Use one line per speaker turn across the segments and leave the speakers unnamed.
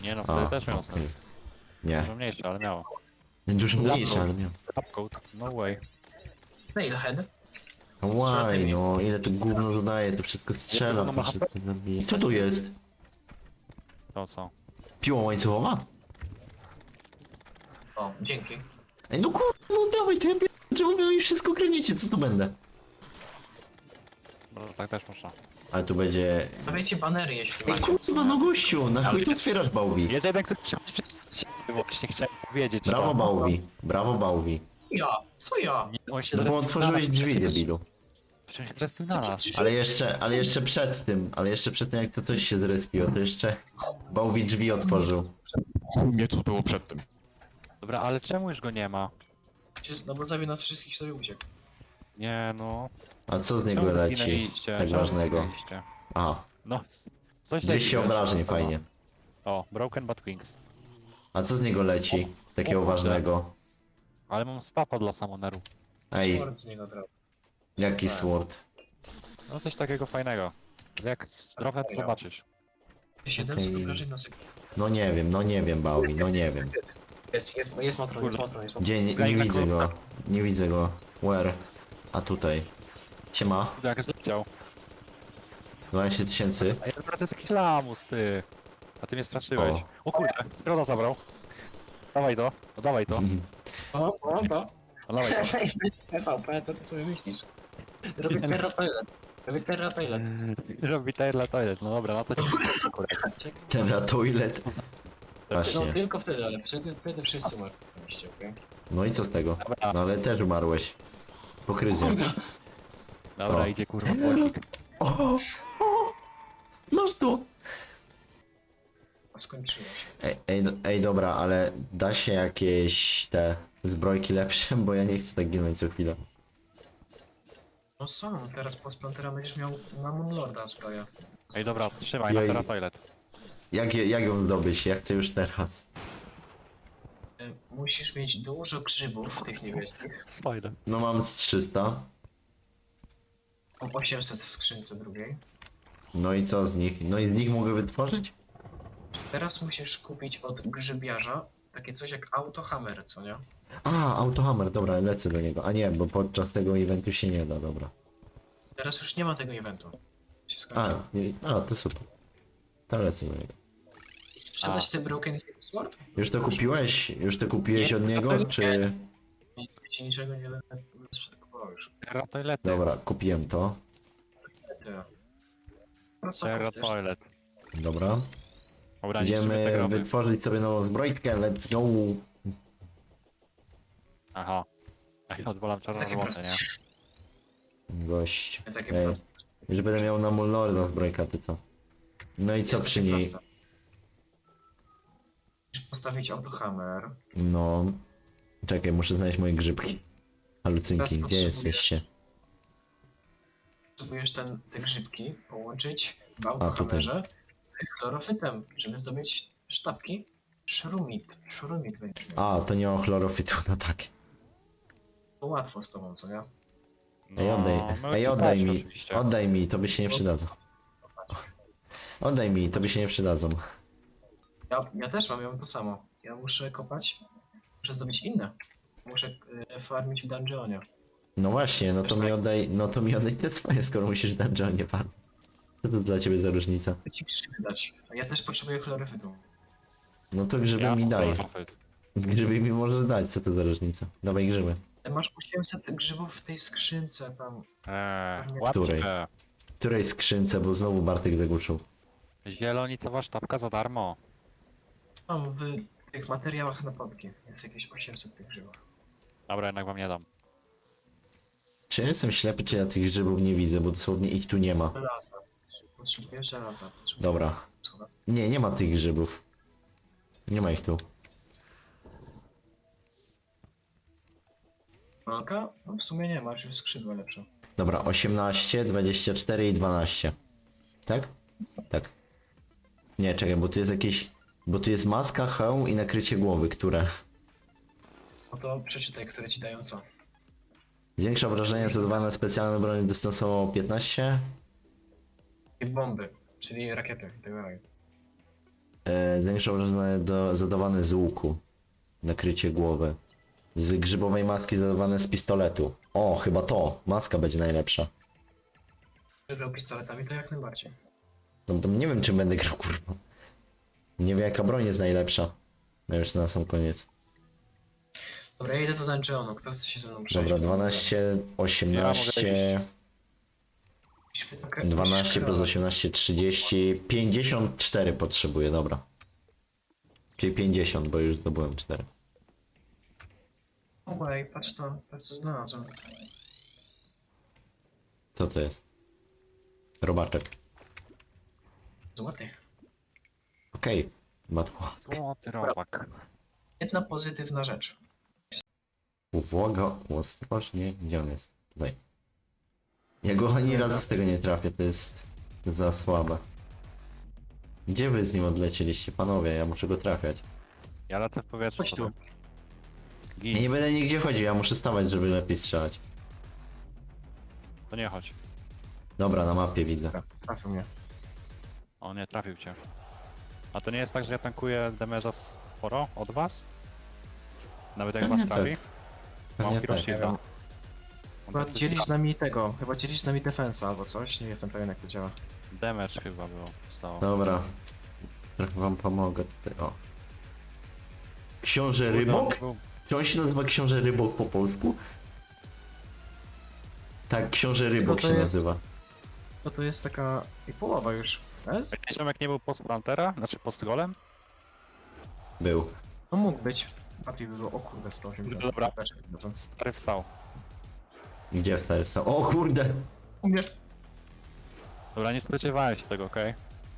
Nie no,
A,
wtedy też miał
okej.
sens.
Nie.
Dużo mniejsze, ale miało.
Dużo mniejsze, ale nie.
Upcode, no way.
Nailhead.
Łaj, no ile to gówno zadaje, to wszystko strzela,
gówno ma
to wszystko
HP?
zabije. Co tu jest?
To co?
Piła łańcuchowa?
O, dzięki.
Ej, no kurwa, no dawaj, to ja czemu wy mi wszystko kręcicie, co to będę?
No tak też można.
Ale tu będzie...
Stawiajcie banery, jeśli
Ej,
macie.
kurwa, no gościu, na chuj tu otwierasz Bałwi?
Jest jeden, który właśnie chciałem powiedzieć.
Brawo
to.
Bałwi, brawo Bałwi.
Ja? Co ja?
Nie, on się
No bo
zrespił na
otworzyłeś
nas,
drzwi,
przecież-
debilu.
Przecież się zrespił na nas.
Ale jeszcze przed tym, jak to coś się zrespiło, to jeszcze Bałwi drzwi otworzył.
Nie, co było przed tym. Dobra, ale czemu już go nie ma?
No bo zabił nas wszystkich, sobie uciekł.
Nie no.
A co z niego
Czemu
leci?
zginęliście?
Tak
Czemu
ważnego.
zginęliście?
Aha,
No, coś
200
takiego.
obrażeń, fajnie.
O, Broken Bat Wings.
A co z niego leci? Takiego
O kurde.
ważnego.
Ale mam stapa dla Summoneru.
Ej,
Sword z niego drał.
jaki
Super.
sword?
No coś takiego fajnego. Jak trochę to zobaczysz.
700
Okej.
obrażeń na sekundę.
No nie wiem Bałwi, no nie wiem.
Jest motron, jest motron, jest motron.
Gdzie, nie
Zajmę
widzę
go.
go, nie widzę go. Where? A tutaj. Siema,
Jak zleciał.
12 tysięcy.
A ja teraz jest jakiś lamus, ty. A ty mnie straszyłeś. O kurde, Roda zabrał. Dawaj to, no dawaj to,
O, to.
no dawaj to.
PvP, co ty sobie myślisz? Robię Terra Toilet. Robię Terra Toilet.
Robi toilet, no dobra, no to ci kurek.
Terra toilet.
No
Właśnie.
tylko wtedy, ale wtedy wszyscy umarliście, okej?
No i co z tego?
Dobra,
No ale też umarłeś. Pokryzją.
dobra,
Co?
idzie kurwa płocik.
O! Masz to!
Skończyło się.
Ej, dobra, ale da się jakieś te zbrojki lepsze, bo ja nie chcę tak ginąć co chwilę.
No są, teraz po Splantera będziesz miał na Moonlorda zbroję.
Ej dobra, trzymaj na
Jej.
teraz toilet.
Jak ją zdobyć? Ja chcę już teraz.
Musisz mieć dużo grzybów tych niebieskich.
Fajne.
No mam z 300.
O 800 w skrzynce drugiej.
No i co z nich? No i z nich mogę wytworzyć?
Teraz musisz kupić od grzybiarza takie coś jak autohammer, co nie?
A, autohammer, dobra, lecę do niego. A nie, bo podczas tego eventu się nie da, dobra.
Teraz już nie ma tego eventu. Się
A,
skończyło.
to super. To lecę do niego.
I sprzedać te Broken Hill Sword?
Już to kupiłeś? Już to kupiłeś
Nie,
od niego,
nie.
czy...
Nie, ci niczego nie będę kupował już.
Terra toilety.
Dobra, kupiłem to.
Tyle. No co
Terra
chcesz?
toilet.
Dobra.
Dobra, niszczymy te
Idziemy
groby.
wytworzyć sobie nową zbrojkę, let's go!
Aha. Ej, odwalam
Takie
czarno-złote,
proste.
nie?
Gość.
Takie
Ej,
proste.
już będę miał na Mulnorda zbrojka, ty co? No i co
Jest
przy
takie
niej?
proste. Musisz postawić autohammer.
No... Czekaj, muszę znaleźć moje grzybki. Halucynki,
Teraz
gdzie
potrzebujesz-
jesteście?
Potrzebujesz te grzybki połączyć w autohammerze z chlorofytem, żeby zdobyć sztabki. Szurumit będzie.
A, to nie o chlorofitu, no tak.
To łatwo z tobą, co nie?
Ej,
no
ej,
ci
oddaj
dać
mi,
oczywiście.
oddaj mi, to by się nie przydadzą. Oddaj mi, to by się nie przydadzą.
Ja też mam, ja mam to samo. Ja muszę kopać, muszę zdobyć inne. Muszę farmić w dungeonie.
No właśnie, no to mi oddaj te swoje, skoro musisz w dungeonie pan. Co to dla ciebie za różnica?
Chcę ci grzyby dać. A ja też potrzebuję chlorofytu.
No to grzyby mi daj. Grzyby mi możesz dać, co to za różnica? Dawaj grzyby.
Masz 800 grzybów w tej skrzynce tam.
Łapcie.
W której skrzynce, bo znowu Bartek zagłuszył.
Zielonicowa sztabka za darmo.
Mam w tych materiałach na podki. Jest jakieś 800 tych grzybów.
Dobra, jednak wam nie dam.
Czy ja jestem ślepy, czy ja tych grzybów nie widzę, bo dosłownie ich tu nie ma.
Żelaza. Potrzebuję żelaza. Potrzebuję
Dobra.
żelaza.
Nie ma tych grzybów. Nie ma ich tu.
Walka? No w sumie nie ma, już jest skrzydła lepsze.
Dobra, 18, 24 i 12. Tak? Tak. Nie, czekaj, bo tu jest jakieś... Bo tu jest maska, hełm i nakrycie głowy, które...
No to przeczytaj, które ci dają co.
Zwiększa obrażenia zadawane specjalne broni dystansowo 15.
I bomby, czyli rakiety i tak dalej.
Zwiększa obrażenia zadawane z łuku. Nakrycie głowy. Z grzybowej maski zadawane z pistoletu. O, chyba to. Maska będzie najlepsza.
Że grał pistoletami, to jak najbardziej.
No to nie wiem, czy będę grał, kurwa. Nie wiem, jaka broń jest najlepsza. No już na sam koniec.
Dobra, ja idę do dungeonu, kto chce się ze mną przejść?
Dobra, 12, 18, 12 plus 18, 30, 54 potrzebuję, dobra. Czyli 50, bo już zdobyłem 4.
Oj, patrz to, patrz co znalazłem.
Co to jest? Robaczek.
Złoty.
Okej. Matło.
Złoty robak.
Jedna pozytywna rzecz.
Uwaga, ostrożnie. Gdzie on jest? Tutaj. Ja go ani razu z tego nie trafię, to jest za słabe. Gdzie wy z nim odlecieliście, panowie? Ja muszę go trafiać.
Ja lecę w powietrze.
Chodź tu.
Gin.
Ja nie będę nigdzie chodził, ja muszę stawać, żeby lepiej strzelać.
To nie chodź.
Dobra, na mapie widzę.
Trafił mnie.
On nie trafił cię. A to nie jest tak, że ja tankuję damage'a sporo od was? Nawet jak
Pewnie
was trafi?
tak.
Mam
Pewnie
Hero
tak.
Shielda. Mam
Chyba
dosyć
dzielisz z nami tego, chyba dzielisz z nami defensa albo coś, nie jestem pewien jak to działa.
damage chyba było. Stało.
Dobra. Trochę wam pomogę tutaj, o. Książę
Kurde, on
Rybok?
był-
Czy on się nazywa Książę Rybok po polsku? Tak, Książę Rybok
to
się
jest-
nazywa.
No to jest taka i połowa już. Jest?
Jakiś ziomek nie był post Plantera? Znaczy post golem?
Był.
No mógł być. Łatwiej by było, o kurde, 180.
Dobra. Stary wstał.
Gdzie wstał? O kurde!
Umie.
Dobra, nie spodziewałem się tego, okej?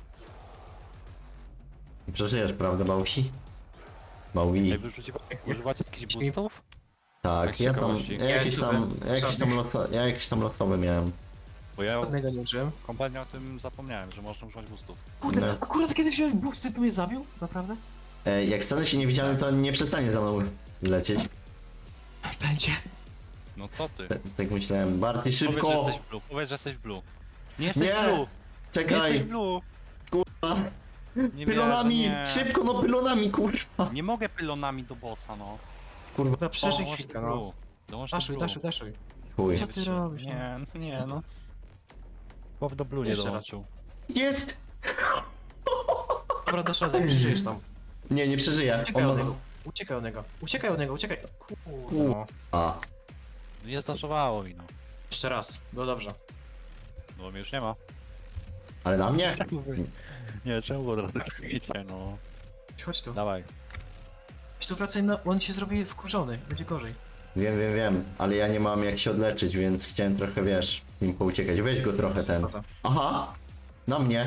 Przeżyjesz, prawda, Małki? Maui.
Ej, używacie jakichś
Jeśli-
boostów?
Tak,
tak
ja tam,
ciekawości.
ja jakieś tam losowe miałem.
Bo ja
Żadnego nie użyłem.
kompletnie o tym zapomniałem, że można używać boostów.
Kurde,
No.
akurat kiedy wziąłem boosty, to mnie zabił? Naprawdę?
Jak stanę się niewidzialny, to nie przestanie za mną lecieć.
Będzie.
No co ty?
Tak myślałem. Barty,
Powiedz, że
szybko!
jesteś blue. Powiedz, że jesteś blue. Nie jesteś
Nie!
blue! Nie jesteś
Czekaj!
blue!
Kurwa!
Nie
Pylonami!
wierzę, nie.
Szybko, no pylonami, kurwa!
Nie mogę pylonami do bossa, no.
Kurwa,
Dobra, przeżyj
Dołącz
chwilkę,
do
no.
blue. Dołącz do
Daszuj,
blue.
daszuj, daszuj.
chuj.
Co ty robisz?
Nie, no. Chłop do blue nie
Jeszcze raz.
dołączył.
Jest!
Dobra, dasz radę, przeżyjesz tam.
Nie przeżyję.
Uciekaj od
On ma...
niego. Uciekaj od niego. Uciekaj od niego, uciekaj. Kurde, no.
A,
Nie zdarzowało mi, no.
Jeszcze raz, no dobrze.
Bo mnie już nie ma.
ale na mnie?
Nie, czemu od razu klikniecie, no.
Chodź tu.
Dawaj.
Chodź tu, wracaj na... On się zrobi wkurzony, będzie gorzej.
Wiem, ale ja nie mam jak się odleczyć, więc chciałem trochę, wiesz, z nim pouciekać. Weź go trochę ten.
Poza.
Aha! Na mnie!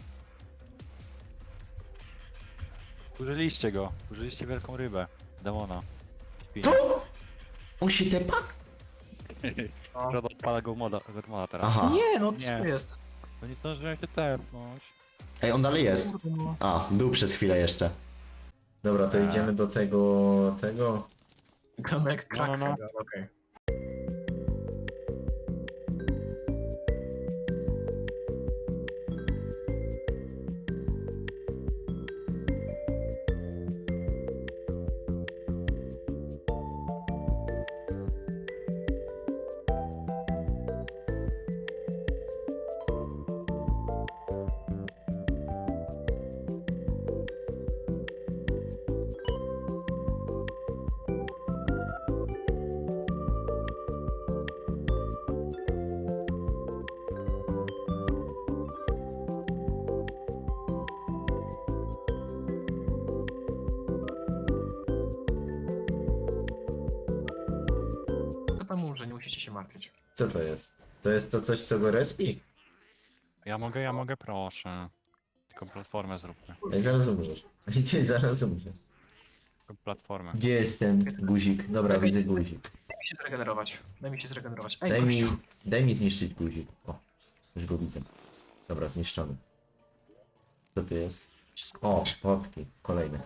Użyliście go. Użyliście wielką rybę. Demona.
Co? On się tepa?
No.
Rodo odpala go moda teraz.
Aha.
Nie, no co
Nie.
jest?
To nie zdążyłem się tepnąć.
Ej, on dalej jest.
Kurde, no.
A, był przez chwilę jeszcze. Dobra, to
Tak.
idziemy do tego...
Wygląda jak
No,
krak,
no, no.
chyba, okej. To tam umrze, nie musicie się martwić.
Co to jest? To jest to coś, co go respi?
Ja mogę, proszę. Tylko platformę zróbmy.
Ej, zaraz umrzesz. Ej, zaraz umrzesz.
Tylko platformę.
Gdzie jest ten guzik? Dobra, widzę guzik.
Daj mi się zregenerować. Daj mi się zregenerować. Ej,
Daj mi,
gościu.
daj mi zniszczyć guzik. O, już go widzę. Dobra, zniszczony. Co to jest? O, fotki. Kolejne.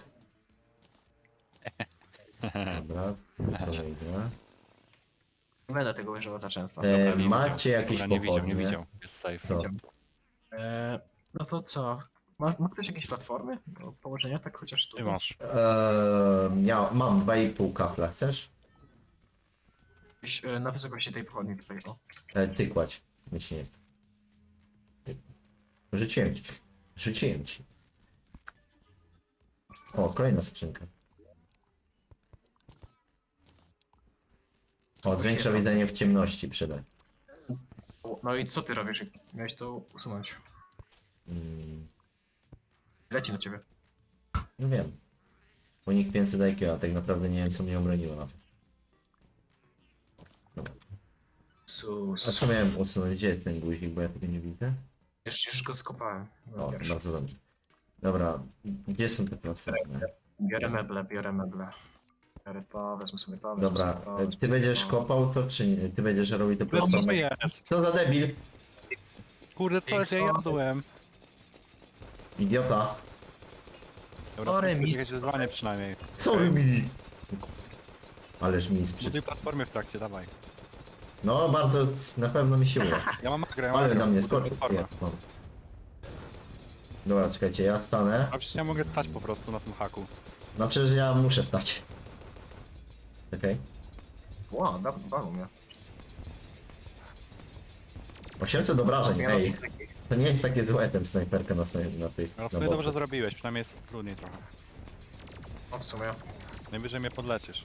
Dobra, kolejne.
Nie będę tego używał za często.
E,
Nie
macie
widział.
jakieś
Dobra, nie
pochodnie?
widział. Jest safe.
Co?
No to co? Ma ktoś jakieś platformy do położenia, tak chociaż tu?
Ty masz.
Mam 2,5 kafla, chcesz?
Gdzieś, na wysokości tej pochodni tutaj, o.
Ty kładź, nic nie jest. Rzuciłem ci. Rzuciłem ci. O, kolejna skrzynka. O, zwiększa widzenie w ciemności przyda.
No i co ty robisz? Miałeś to usunąć.
Mm,
Leci na ciebie.
no wiem. Unik 500 IQ, a tak naprawdę nie wiem co mnie obroniło na to. Dobra. A
Sus.
co miałem usunąć? Gdzie jest ten guzik, bo ja tego nie widzę?
Już go skopałem. No,
O,
pierwszy.
bardzo dobrze. Dobra, gdzie są te platformy?
Biorę meble, biorę meble. Biorę to, wezmę sobie to, wezmę
Dobra,
sobie to.
ty
wezmę
będziesz
to.
kopał to, czy nie? Ty będziesz robił te
No co
platformy?
jest?
Co za debil?
Kurde, co jest? Ja jadłem.
Idiota.
Dobra,
Sorry,
to
mistrz.
jakieś wyzwanie przynajmniej.
Co mi? Ależ mi sprzed...
Buduj platformy w trakcie, dawaj.
No bardzo, na pewno mi się uda.
Ja mam grę, ja mam
Ale
grę.
na mnie
Buduj
skoczył.
platformę.
No. Dobra, czekajcie, ja stanę.
A przecież ja mogę stać po prostu na tym haku.
No przecież ja muszę stać. Okej.
Wow, bawił mnie.
800 obrażeń,
Zmiana
ej.
strategii.
To nie jest takie złe ten snajperka na tych...
Ale w
na
sumie dobrze
boku.
zrobiłeś, przynajmniej jest trudniej trochę.
No w sumie.
Najwyżej mnie podlecisz.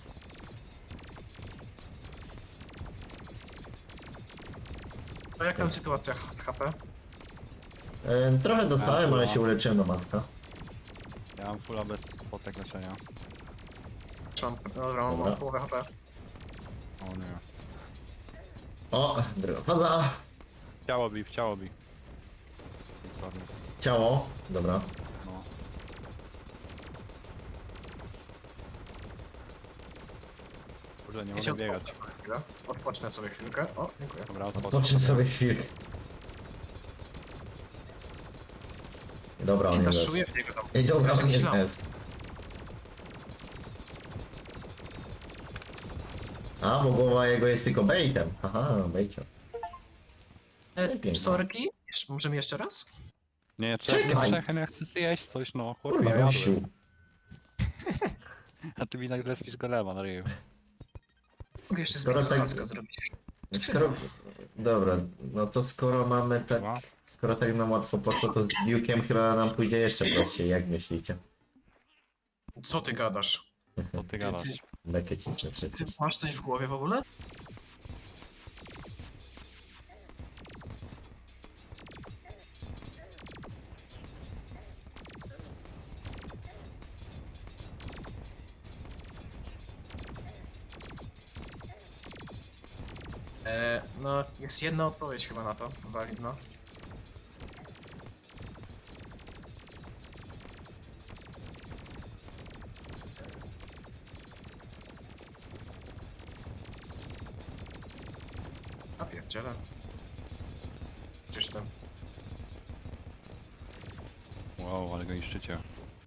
A jaka sytuacja z HP?
Trochę dostałem,
A,
ale
no.
się uleczyłem do maksa.
Ja mam fulla bez potek leczenia.
Dobra, mam
Dobra.
połowę HP.
O nie.
O, druga faza.
Ciało bi, ciało bi. Dokładnie.
Ciało. Dobra.
No. Kurde, nie
Ja się
mogę biegać.
odpocznę sobie chwilę. Odpocznę sobie chwilkę. O, dziękuję.
Dobra,
Odpocznij sobie chwilkę. Dobra, on nie jest.
Daszuję w niego tam.
Ej, dobra,
To
on
jest
nie
jakiś
jest. A, bo głowa jego jest tylko baitem. Aha, baicio. Pięknie.
Sorki? Możemy jeszcze raz?
Nie,
Czekaj.
czekaj, ja chcę zjeść coś, no. Chłopie, ja
Kurwa,
jadłem.
gościu.
A ty mi nagle spisz golema na ryju.
Mogę jeszcze
Skoro
zbyt
tak-
tak... zrobić.
Skoro... Dobra, no to skoro mamy tak...
Dobra.
Skoro tak nam łatwo poszło, to z Duke'em chyba nam pójdzie jeszcze prościej, jak myślicie?
Co ty gadasz?
To ty gadasz.
Bekę cisnę
Ty
przecież.
masz coś w głowie w ogóle? No, jest jedna odpowiedź chyba na to, walidna. A pierdziele. Czyż tam.
Wow, ale go niszczycie.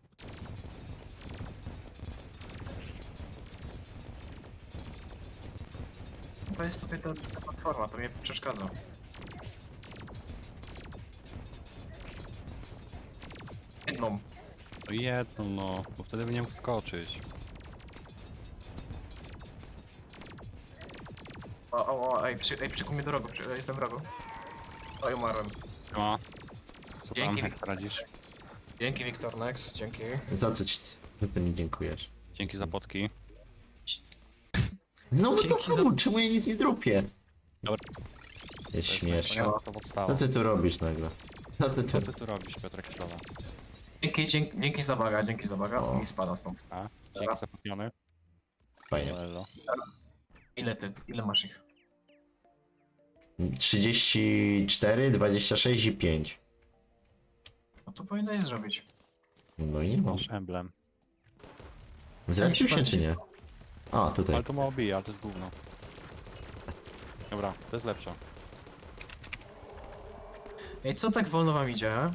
To jest tutaj ta platforma, to mnie przeszkadza. Jedną.
No jedno, no, bo wtedy by nie mógł skoczyć.
Ej, przykuł mnie do rogu, jestem w rogu. Oj, umarłem.
Ma. Co tam,
Dzięki.
jak radzisz?
Dzięki Wiktor Nex, dzięki.
Za co ci... Za to mi dziękujesz?
Dzięki za potki.
Znowu to
Dzięki za-
samo, czemu ja nic nie drupię?
Dobra.
Jest
To
śmieszne.
to powstało.
Co ty tu robisz nagle? Co ty tu...
Co ty tu robisz, Piotrek Środa?
Dzięki za baga, dzięki za baga.
O.
O, mi spada stąd.
A? Dzięki za potniony.
Fajnie.
Elo.
Ile masz ich?
34, 26 i 5.
No to powinieneś zrobić.
No i nie mam.
Masz emblem.
Zrespił się czy nie? A, tutaj.
Ale to mało bije, ale to jest gówno. Dobra, to jest lepsze.
Ej, co tak wolno wam idzie, he?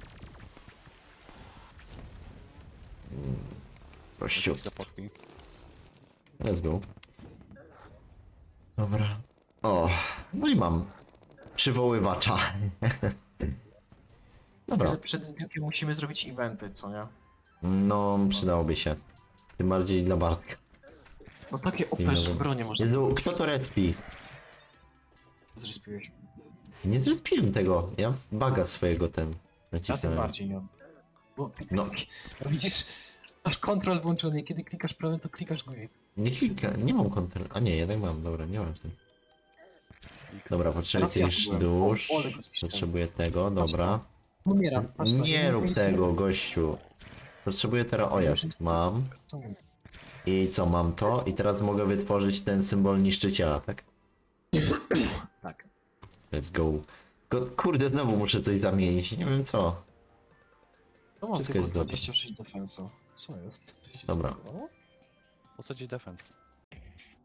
Kościół.
Dzięki za potki.
Let's go. Dobra. O, no i mam przywoływacza. Dobra.
Ale przed Duke'iem musimy zrobić eventy, co nie?
No, przydałoby się. Tym bardziej dla Bartka.
No takie OP
Dobra.
bronie można
Jezu, kto to respi?
zrespiłeś.
Nie zrespiłem tego. Ja w baga swojego ten
Ja tym
nacisnąłem.
bardziej nie. Bo,
No.
no widzisz, masz kontrol włączony, kiedy klikasz prawym, to klikasz górę.
Nie klika, nie mam kontroli. A nie, jednak mam, dobra, nie mam z tym.
X.
Dobra, potrzebuję
Teraz ja
jakiegoś
byłem.
dusz.
O, ale go zniszczyłem.
Potrzebuję tego, dobra.
Umieram. patrz to,
Nie rób
nic
tego, gościu. Potrzebuję teraz, o jest, mam.
Co mówię?
I co, mam to? I teraz mogę wytworzyć ten symbol niszczyciela, tak?
Tak.
Let's go. Kurde, znowu muszę coś zamienić, nie wiem co.
To mam
Wszystko
tylko
jest dobre.
26 defensu. Co jest?
Dobra.
Po co ci defense?